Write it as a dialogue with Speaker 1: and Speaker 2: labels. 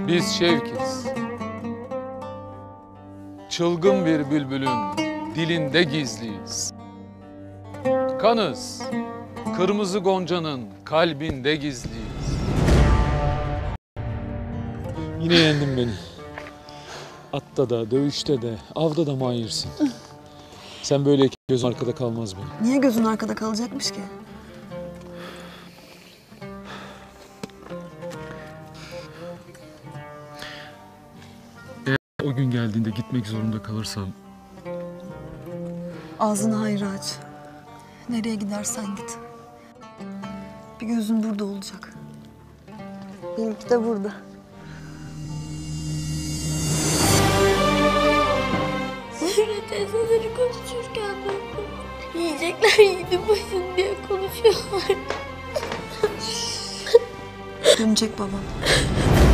Speaker 1: Biz şevkiz. Çılgın bir bülbülün dilinde gizliyiz. Kanız, kırmızı goncanın kalbinde gizliyiz.
Speaker 2: Yine yendin beni. Atta da, dövüşte de, avda da mahirsin. Sen böyleyken gözün arkada kalmaz benim.
Speaker 3: Niye gözün arkada kalacakmış ki?
Speaker 2: O gün geldiğinde gitmek zorunda kalırsam...
Speaker 3: Ağzını hayra aç. Nereye gidersen git. Bir gözün burada olacak. Benimki de burada.
Speaker 4: Zühre teyzeleri konuşurken duydum. Yiyecekler yiğidi başın diye konuşuyorlar.
Speaker 3: Dönecek babam.